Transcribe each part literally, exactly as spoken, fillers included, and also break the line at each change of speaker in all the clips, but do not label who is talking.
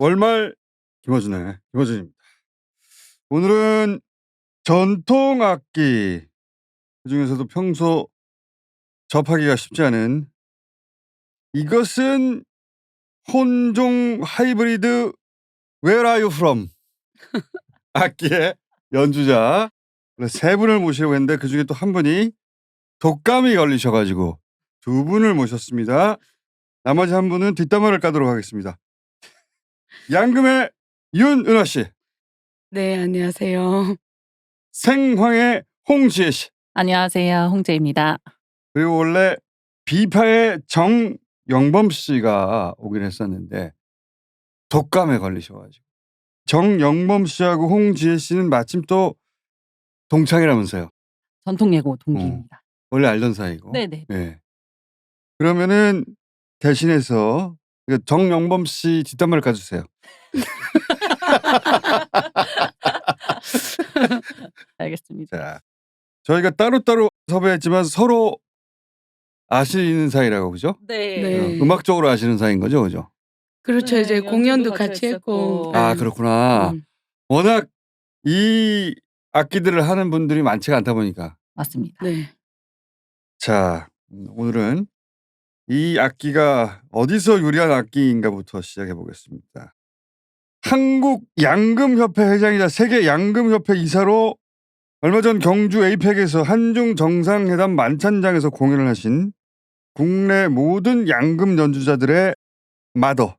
월말 김어준의 김어준입니다. 오늘은 전통 악기, 그중에서도 평소 접하기가 쉽지 않은 이것은 혼종 하이브리드 Where are you from? 악기의 연주자 세 분을 모시려고 했는데 그중에 또 한 분이 독감이 걸리셔가지고 두 분을 모셨습니다. 나머지 한 분은 뒷담화를 까도록 하겠습니다. 양금의 윤은하 씨.
네, 안녕하세요.
생황의 홍지혜 씨.
안녕하세요. 홍재입니다.
그리고 원래 비파의 정영범 씨가 오긴 했었는데 독감에 걸리셔가지고 정영범 씨하고 홍지혜 씨는 마침 또 동창이라면서요.
전통예고 동기입니다.
어, 원래 알던 사이고.
네네.
네. 그러면은 대신해서 정영범 씨 뒷담화를 까주세요.
알겠습니다.
자, 저희가 따로따로 섭외했지만 서로 아시는 사이라고, 그죠?
네.
네.
어, 음악적으로 아시는 사이인 거죠, 그죠?
그렇죠.
네,
이제 공연도
연주도
같이
같이
했고.
했었고.
아,
네.
그렇구나.
음.
워낙 이 악기들을 하는 분들이 많지가 않다 보니까.
맞습니다.
네.
자, 오늘은 이 악기가 어디서 유래한 악기인가부터 시작해 보겠습니다. 한국 양금협회 회장이자 세계 양금협회 이사로 얼마 전 경주 에이펙에서 한중 정상회담 만찬장에서 공연을 하신 국내 모든 양금 연주자들의 마더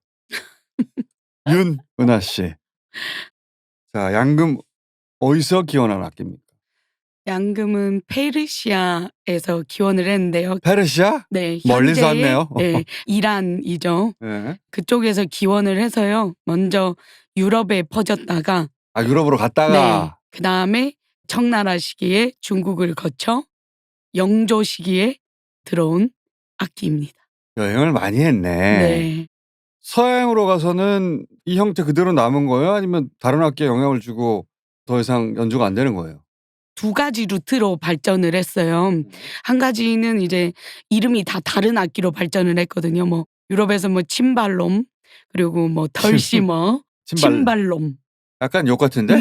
윤은하 씨. 자, 양금 어디서 기원한 악기입니까?
양금은 페르시아에서 기원을 했는데요.
페르시아?
네,
멀리서
현재의,
왔네요.
네, 이란이죠.
네.
그쪽에서 기원을 해서요. 먼저 유럽에 퍼졌다가
아, 유럽으로
네,
갔다가.
그 다음에 청나라 시기에 중국을 거쳐 영조 시기에 들어온 악기입니다.
여행을 많이 했네.
네.
서양으로 가서는 이 형태 그대로 남은 거예요? 아니면 다른 악기에 영향을 주고 더 이상 연주가 안 되는 거예요?
두 가지 루트로 발전을 했어요. 한 가지는 이제 이름이 다 다른 악기로 발전을 했거든요. 뭐 유럽에서 뭐 침발롬, 그리고 뭐 덜시머,
침발.
침발롬.
약간 욕 같은데?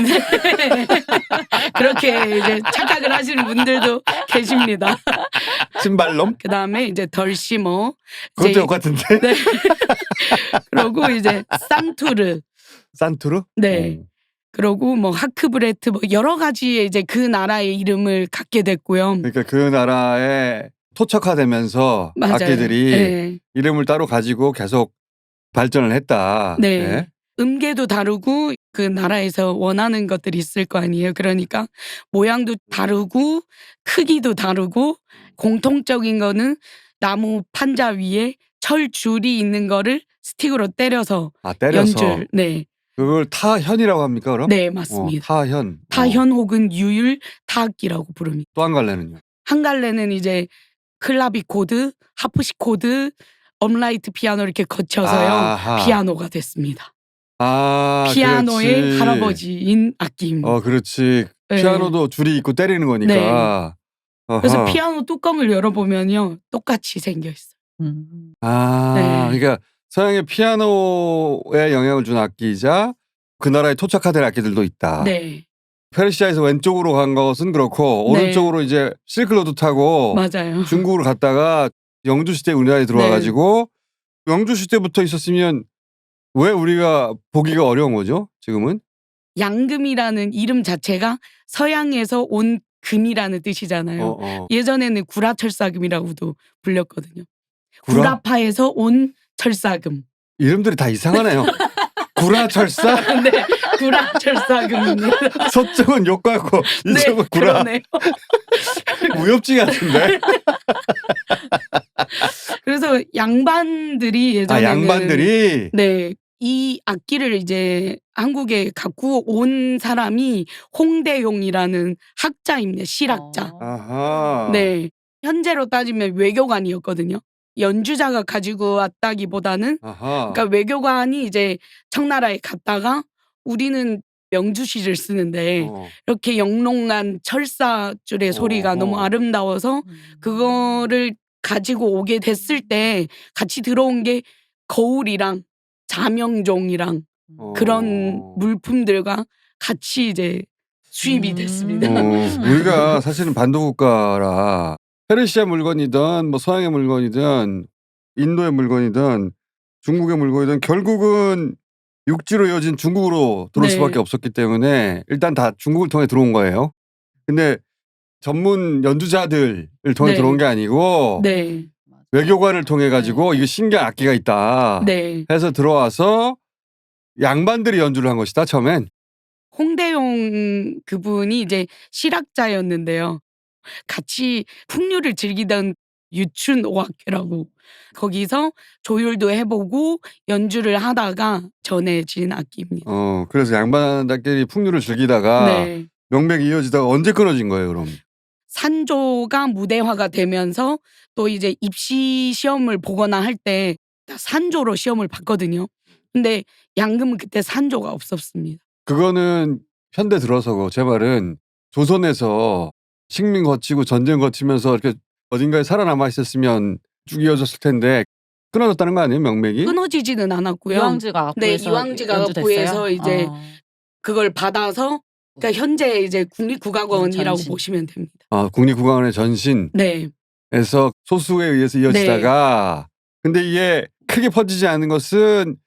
그렇게 이제 착각을 하시는 분들도 계십니다.
침발놈?
그 다음에 이제 덜시머.
그것도
이제-
욕 같은데?
네. 그리고 이제 산투르.
산투르?
네.
어.
그리고 뭐 하크브레트 뭐 여러 가지의 이제 그 나라의 이름을 갖게 됐고요.
그러니까 그 나라에 토착화되면서
맞아요.
악기들이
네.
이름을 따로 가지고 계속 발전을 했다.
네.
예?
음계도 다르고 그 나라에서 원하는 것들이 있을 거 아니에요. 그러니까 모양도 다르고 크기도 다르고 공통적인 거는 나무 판자 위에 철 줄이 있는 거를 스틱으로 때려서
아, 때려서.
연주를. 네.
그걸 타현이라고 합니까, 그럼?
네,
어,
맞습니다.
타현.
타현 혹은 유율 타악기라고 부릅니다.
또 한 갈래는요?
한 갈래는 이제 클라비코드, 하프시코드, 업라이트 피아노 이렇게 거쳐서요.
아하.
피아노가 됐습니다.
아,
피아노의
그렇지.
할아버지인 악기입니다.
어, 그렇지.
네.
피아노도 줄이 있고 때리는 거니까. 어허.
그래서 피아노 뚜껑을 열어보면요. 똑같이 생겨 있어요.
음.
아,
네.
그러니까 서양의 피아노에 영향을 준 악기이자 그 나라에 토착화된 악기들도 있다.
네.
페르시아에서 왼쪽으로 간 것은 그렇고
네.
오른쪽으로 이제 실크로드 타고
맞아요.
중국으로 갔다가 영주 시대 우리나라에 들어와
네.
가지고 영주 시대부터 있었으면 왜 우리가 보기가 어려운 거죠? 지금은?
양금이라는 이름 자체가 서양에서 온 금이라는 뜻이잖아요.
어, 어.
예전에는 구라철사금이라고도 불렸거든요.
구라?
구라파에서 온 철사금.
이름들이 다 이상하네요. 구라철사?
네, 구라철사금입니다.
서쪽은 욕 같고
네,
이쪽은 구라.
그러네요.
무협지 같은데?
그래서 양반들이
아,
예전에는
양반들이?
네, 이 악기를 이제 한국에 갖고 온 사람이 홍대용이라는 학자입니다. 실학자.
어.
아하.
네, 현재로 따지면 외교관이었거든요. 연주자가 가지고 왔다기보다는
아하.
그러니까 외교관이 이제 청나라에 갔다가 우리는 명주시를 쓰는데
어.
이렇게 영롱한 철사줄의 소리가
어허.
너무 아름다워서
음.
그거를 가지고 오게 됐을 때 같이 들어온 게 거울이랑 자명종이랑
어.
그런 물품들과 같이 이제 수입이
음.
됐습니다.
어, 우리가 사실은 반도국가라 페르시아 물건이든 뭐 서양의 물건이든 인도의 물건이든 중국의 물건이든 결국은 육지로 이어진 중국으로 들어올
네.
수밖에 없었기 때문에 일단 다 중국을 통해 들어온 거예요. 근데 전문 연주자들을 통해
네.
들어온 게 아니고
네.
외교관을 통해 가지고
네.
이거 신기한 악기가 있다
네.
해서 들어와서 양반들이 연주를 한 것이다 처음엔.
홍대용 그분이 이제 실학자였는데요. 같이 풍류를 즐기던 유춘 오학회라고 거기서 조율도 해보고 연주를 하다가 전해진 악기입니다.
어, 그래서 양반들끼리 풍류를 즐기다가
네.
명맥이 이어지다가 언제 끊어진 거예요 그럼?
산조가 무대화가 되면서 또 이제 입시 시험을 보거나 할 때 산조로 시험을 봤거든요. 근데 양금은 그때 산조가 없었습니다.
그거는 현대 들어서고 제 말은 조선에서 식민 거치고 전쟁 거치면서 이렇게 어딘가에 살아남아 있었으면 쭉 이어졌을 텐데 끊어졌다는 거 아니에요 명맥이?
끊어지지는 않았고요.
이황지가
네,
악구에서
이황지가
연주됐어요?
악구에서 이제
어.
그걸 받아서 그러니까 현재 이제 국립국악원이라고
전신.
보시면 됩니다.
아, 국립국악원의 전신에서
네.
소수에 의해서 이어지다가 근데 이게 크게 퍼지지 않은 것은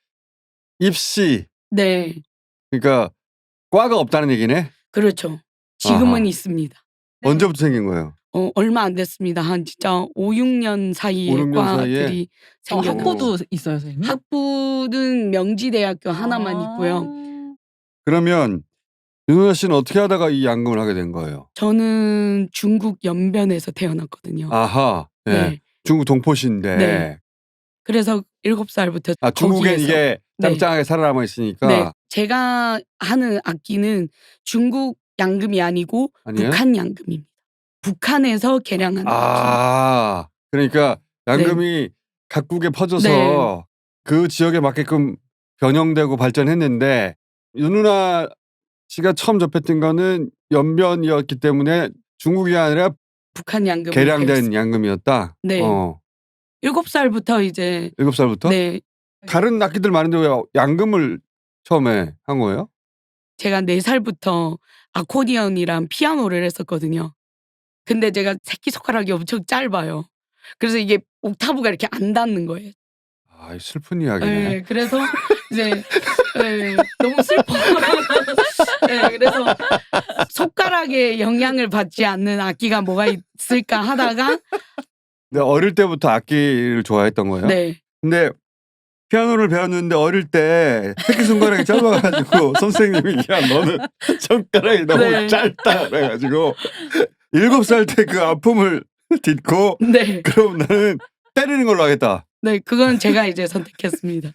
입시
네.
그러니까 과가 없다는 얘기네.
그렇죠. 지금은
아하.
있습니다.
언제부터 생긴 거예요?
어, 얼마 안 됐습니다. 한 진짜 오, 육 년 사이에
오, 육 년 사이에?
과들이
어,
생겨나요.
학부도 있어요, 선생님?
학부는 명지대학교 하나만
아.
있고요.
그러면 윤호야 씨는 어떻게 하다가 이 양금을 하게 된 거예요?
저는 중국 연변에서 태어났거든요.
아하. 예.
네.
중국 동포시인데.
네. 그래서 일곱 살부터
아, 중국엔
거기에서
이게
네.
짱짱하게 살아남아 있으니까.
네. 제가 하는 악기는 중국 양금이 아니고
아니에요?
북한 양금입니다. 북한에서 개량한 악기.
아, 그러니까 양금이 각국에 퍼져서
네.
그 지역에 맞게끔 변형되고 발전했는데 윤누나 씨가 처음 접했던 거는 연변이었기 때문에 중국이 아니라
북한 양금을
개량된
배웠습니다.
양금이었다.
네.
어.
일곱 살부터 이제
일곱 살부터?
네.
다른 악기들 많은데 왜 양금을 처음에 한 거예요?
제가 네 살부터 아코디언이랑 피아노를 했었거든요. 근데 제가 새끼손가락이 엄청 짧아요. 그래서 이게 옥타브가 이렇게 안 닿는 거예요.
아, 슬픈 이야기네.
네, 그래서 이제 네, 너무 슬퍼요. 네, 그래서 손가락에 영향을 받지 않는 악기가 뭐가 있을까 하다가
근데 어릴 때부터 악기를 좋아했던 거예요?
네.
근데 피아노를 배웠는데 어릴 때 새끼손가락이 짧아가지고 선생님이 야 너는 손가락이 너무
네.
짧다 그래가지고 일곱 살 때 그 아픔을 딛고
네.
그럼 나는 때리는 걸로 하겠다.
네, 그건 제가 이제 선택했습니다.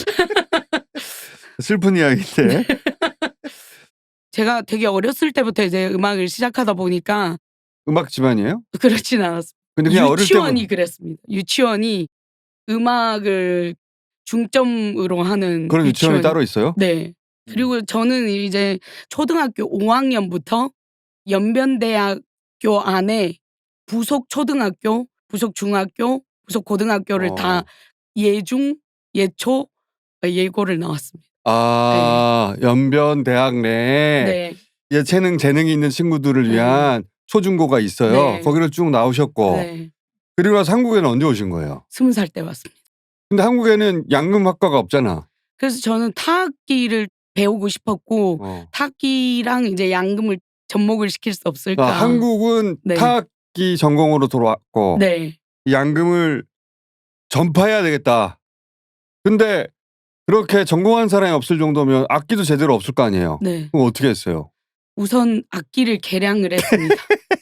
슬픈 이야기인데.
제가 되게 어렸을 때부터 이제 음악을 시작하다 보니까
음악 집안이에요?
그렇진 않았습니다.
근데 그냥 어릴
유치원이
때부터
그랬습니다. 유치원이 음악을 중점으로 하는
그런 유치원이
유치원이-
따로 있어요?
네. 그리고 저는 이제 초등학교 오 학년부터 연변대학교 안에 부속 초등학교, 부속 중학교, 부속 고등학교를
어.
다 예중, 예초, 예고를 나왔습니다.
아, 연변 대학 내에
네.
예체능 재능이 있는 친구들을
네.
위한 초중고가 있어요.
네.
거기를 쭉 나오셨고
네.
그리고 나서 한국에는 언제 오신 거예요?
스무 살 때 왔습니다.
근데 한국에는 양금학과가 없잖아.
그래서 저는 타악기를 배우고 싶었고
어.
타악기랑 이제 양금을 접목을 시킬 수 없을까.
아, 한국은
네.
타악기 전공으로 들어왔고
네.
양금을 전파해야 되겠다. 근데 그렇게 전공한 사람이 없을 정도면 악기도 제대로 없을 거 아니에요.
네.
그럼 어떻게 했어요?
우선 악기를 개량을 했습니다.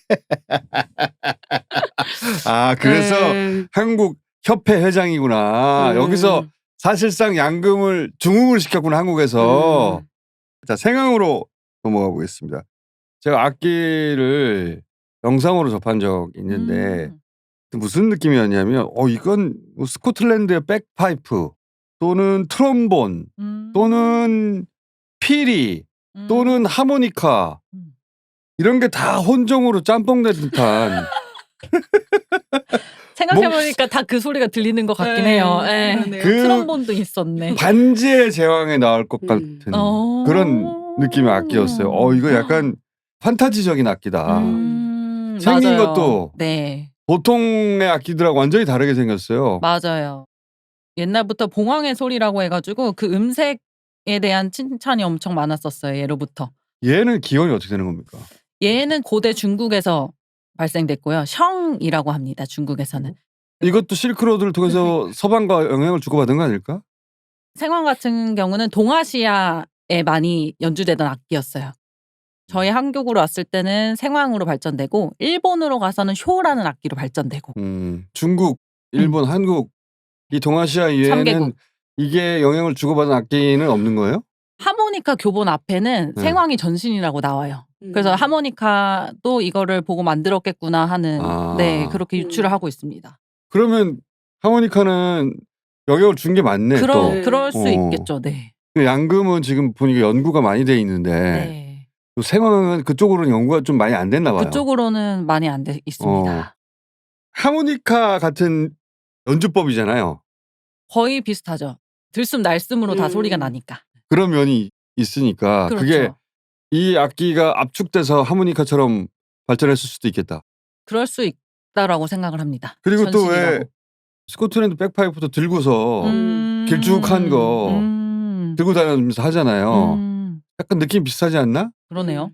아, 그래서
네.
한국 협회 회장이구나.
음.
여기서 사실상 양금을 중흥을 시켰구나 한국에서.
음.
자, 생황으로 넘어가 보겠습니다. 제가 악기를 영상으로 접한 적이 있는데
음.
무슨 느낌이었냐면 어 이건 뭐 스코틀랜드의 백파이프 또는 트롬본
음.
또는 피리
음.
또는 하모니카
음.
이런 게 다 혼종으로 짬뽕된 듯한
생각해보니까 다 그 소리가 들리는 것 같긴
네,
해요. 예.
그러네요.
그
트럼본도 있었네.
반지의 제왕에 나올 것
음.
같은
어.
그런 느낌의 악기였어요. 어 이거 약간 판타지적인 악기다.
음,
생긴
맞아요.
것도
네,
보통의 악기들하고 완전히 다르게 생겼어요.
맞아요. 옛날부터 봉황의 소리라고 해가지고 그 음색에 대한 칭찬이 엄청 많았었어요. 예로부터.
얘는 기원이 어떻게 되는 겁니까?
얘는 고대 중국에서 발생됐고요. 셩이라고 합니다. 중국에서는.
이것도 실크로드를 통해서 서방과 영향을 주고받은 거 아닐까?
생황 같은 경우는 동아시아에 많이 연주되던 악기였어요. 저희 한국으로 왔을 때는 생황으로 발전되고 일본으로 가서는 쇼라는 악기로 발전되고
음, 중국, 일본, 한국 이 동아시아 이외에는
삼 개국.
이게 영향을 주고받은 악기는 없는 거예요?
하모니카 교본 앞에는
네.
생황이 전신이라고 나와요. 그래서
음.
하모니카도 이거를 보고 만들었겠구나 하는
아.
네 그렇게 유추를
음.
하고 있습니다.
그러면 하모니카는 영향을 준 게 맞네.
그러,
또
네.
그럴 수
어.
있겠죠. 네.
양금은 지금 보니까 연구가 많이 돼 있는데
네.
또 생황은 그쪽으로는 연구가 좀 많이 안 됐나 봐요.
그쪽으로는 많이 안 돼 있습니다.
어. 하모니카 같은 연주법이잖아요.
거의 비슷하죠. 들숨 날숨으로 다
음.
소리가 나니까.
그런 면이 있으니까
그렇죠.
그게 이 악기가 압축돼서 하모니카처럼 발전했을 수도 있겠다.
그럴 수 있다라고 생각을 합니다.
그리고 또 왜
전신이라고.
스코틀랜드 백파이프도 들고서
음.
길쭉한 거
음.
들고 다니면서 하잖아요.
음.
약간 느낌 비슷하지 않나?
그러네요.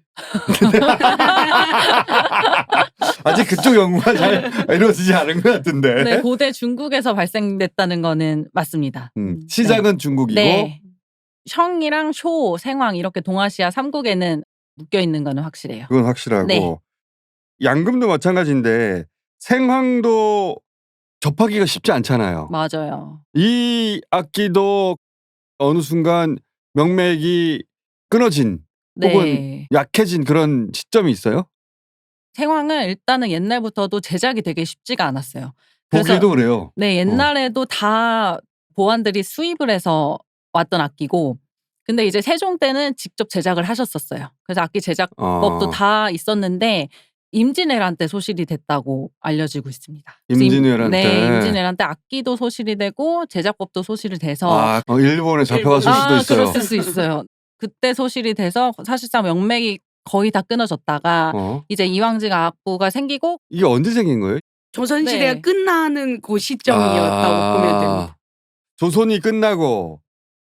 아직 그쪽 연구가 잘 이루어지지 않은 것 같은데.
네, 고대 중국에서 발생됐다는 거는 맞습니다.
음, 시작은 중국이고
네. 셩이랑 쇼, 생황 이렇게 동아시아 삼 국에는 묶여 있는 거는 확실해요.
그건 확실하고
네.
양금도 마찬가지인데 생황도 접하기가 쉽지 않잖아요.
맞아요.
이 악기도 어느 순간 명맥이 끊어진 혹은
네.
약해진 그런 시점이 있어요?
생황은 일단은 옛날부터도 제작이 되게 쉽지가 않았어요. 그래서
보기도 그래요.
네, 옛날에도 다 보안들이 수입을 해서 왔던 악기고 근데 이제 세종 때는 직접 제작을 하셨었어요. 그래서 악기 제작법도
어.
다 있었는데 임진왜란 때 소실이 됐다고 알려지고 있습니다. 그래서 임-
임진왜란
네,
때.
임진왜란 때 악기도 소실이 되고 제작법도 소실이 돼서
아, 어, 일본에 잡혀갔을
아,
수도 있어요.
그랬을 수 있어요. 그때 소실이 돼서 사실상 명맥이 거의 다 끊어졌다가
어.
이제 이황직 악부가 생기고
이게 언제 생긴 거예요?
조선시대가
네.
끝나는 그 시점이었다고
아,
보면 됩니다.
조선이 끝나고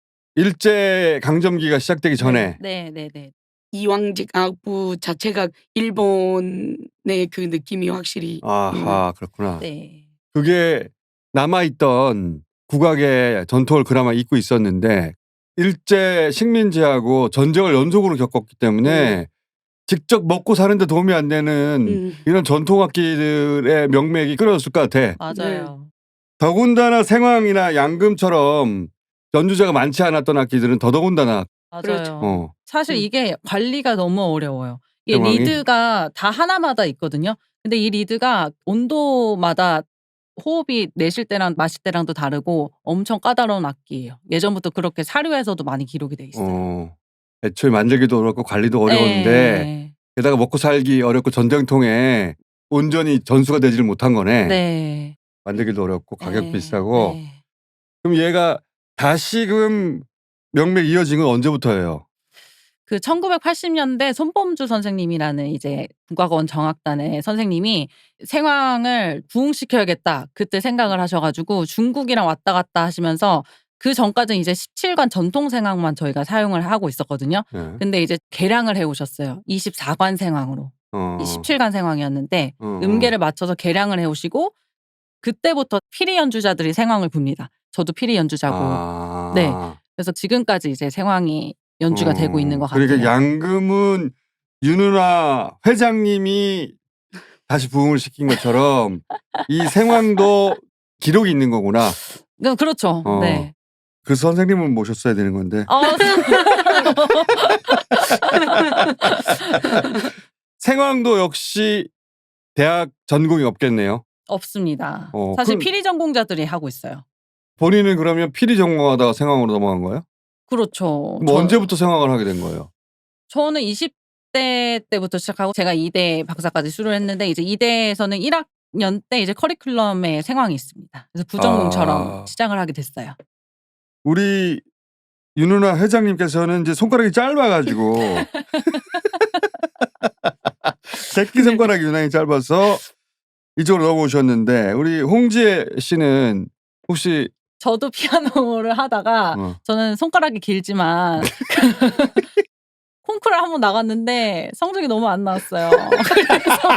일제 강점기가 시작되기 전에
네, 네, 네.
이황직 악부 자체가 일본의 그 느낌이 확실히
아하 그렇구나.
네.
그게 남아있던 국악의 전통을 그나마 잊고 있었는데 일제 식민지하고 전쟁을 연속으로 겪었기 때문에 직접 먹고 사는데 도움이 안 되는
음.
이런 전통악기들의 명맥이 끊어졌을 것 같아.
맞아요.
더군다나 생황이나 양금처럼 연주자가 많지 않았던 악기들은 더더군다나
맞아요.
그렇죠.
어,
사실
음.
이게 관리가 너무 어려워요. 이게
상황이?
리드가 다 하나마다 있거든요. 근데 이 리드가 온도마다 호흡이 내쉴 때랑 마실 때랑도 다르고 엄청 까다로운 악기예요. 예전부터 그렇게 사료에서도 많이 기록이 돼 있어요.
어, 애초에 만들기도 어렵고 관리도 어려운데
네.
게다가 먹고 살기 어렵고 전쟁통에 온전히 전수가 되지를 못한 거네.
네.
만들기도 어렵고 가격
네.
비싸고.
네.
그럼 얘가 다시금 명맥 이어진 건 언제부터예요?
그 천구백팔십 년대 손범주 선생님이라는 이제 국악원 정악단의 선생님이 생황을 부흥시켜야겠다 그때 생각을 하셔가지고 중국이랑 왔다 갔다 하시면서 그 전까지는 이제 십칠 관 전통 생황만 저희가 사용을 하고 있었거든요.
네.
근데 이제 개량을 해오셨어요. 이십사 관 생황으로.
어.
이 십칠 관 생황이었는데
어, 어.
음계를 맞춰서 개량을 해오시고 그때부터 피리 연주자들이 생황을 붑니다. 저도 피리 연주자고.
아.
네. 그래서 지금까지 이제 생황이 연주가
어.
되고 있는 것 같아요.
그러니까 양금은 윤은아 회장님이 다시 부흥을 시킨 것처럼 이 생황도 기록이 있는 거구나.
그- 그렇죠.
어.
네.
그 선생님을 모셨어야 되는 건데.
어,
생황도 역시 대학 전공이 없겠네요.
없습니다.
어,
사실
그럼-
피리 전공자들이 하고 있어요.
본인은 그러면 피리 전공하다가 생황으로 넘어간 거예요?
그렇죠.
뭐
저-
언제부터 생황을 하게 된 거예요?
저는 이십 대 때부터 시작하고 제가 이대 박사까지 수료를 했는데 이제 이대에서는 일 학 년 때 이제 커리큘럼에 생황이 있습니다. 그래서 부전공처럼
아.
시작을 하게 됐어요.
우리 윤은아 회장님께서는 이제 손가락이 짧아가지고 새끼 손가락이 유난히 짧아서 이쪽으로 넘어오셨는데 우리 홍지혜 씨는 혹시
저도 피아노를 하다가
어,
저는 손가락이 길지만 콩쿠르를 한번 나갔는데 성적이 너무 안 나왔어요. 그래서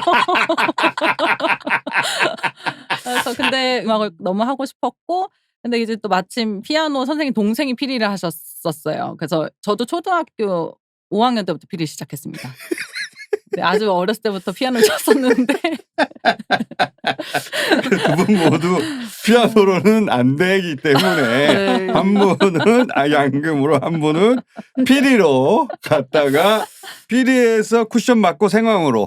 그래서 근데 음악을 너무 하고 싶었고 근데 이제 또 마침 피아노 선생님 동생이 피리를 하셨었어요. 그래서 저도 초등학교 오 학년 때부터 피리 시작했습니다. 네, 아주 어렸을 때부터 피아노를 쳤었는데
두 분 모두 피아노로는 안 되기 때문에
네.
한 분은 아, 양금으로 한 분은 피리로 갔다가 피리에서 쿠션 맞고 생황으로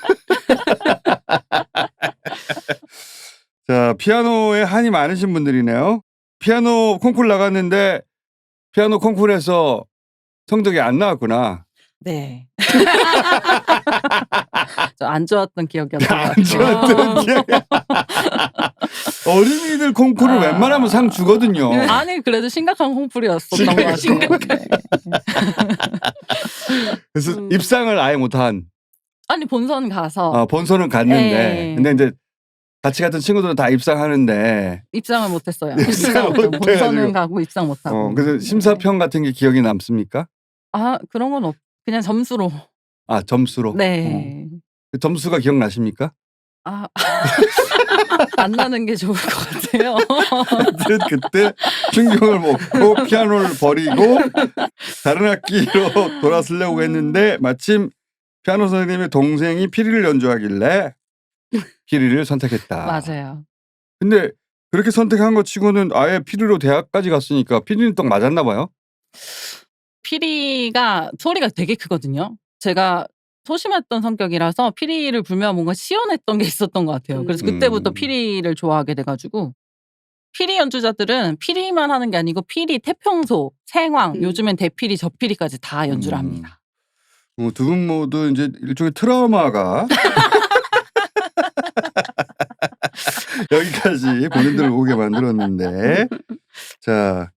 자 피아노에 한이 많으신 분들이네요. 피아노 콩쿠르 나갔는데 피아노 콩쿠르에서 성적이 안 나왔구나.
네. 저 안 좋았던 기억이었던 것
안
같아요.
좋았던 기억. 어린이들 콩쿠르
아.
웬만하면 상 주거든요.
아니 그래도 심각한 콩쿠르였었던 것 같아요.
심각한.
네.
그래서
음.
입상을 아예 못한.
아니 본선 가서
아, 본선은 갔는데
네.
근데 이제 같이 갔던 친구들은 다 입상하는데
입상을 못했어요.
입상을
입상을 못-
못해가지고.
본선은 가고 입상 못하고.
어, 그래서 심사평 같은 게 기억이 남습니까?
아 그런 건 없. 그냥 점수로.
아 점수로.
네.
어. 그 점수가 기억나십니까?
아 안 나는 게 좋을 것 같아요.
하여튼 그때 충격을 먹고 피아노를 버리고 다른 악기로 돌아서려고 했는데 마침 피아노 선생님의 동생이 피리를 연주하길래 피리를 선택했다.
맞아요.
근데 그렇게 선택한 것 치고는 아예 피리로 대학까지 갔으니까 피리는 딱 맞았나 봐요.
피리가 소리가 되게 크거든요. 제가 소심했던 성격이라서 피리를 불면 뭔가 시원했던 게 있었던 것 같아요. 그래서 그때부터
음.
피리를 좋아하게 돼가지고 피리 연주자들은 피리만 하는 게 아니고 피리, 태평소, 생황,
음.
요즘엔 대피리, 저피리까지 다 연주를
음.
합니다.
어, 두 분 모두 이제 일종의 트라우마가 여기까지 본인들 오게 만들었는데 자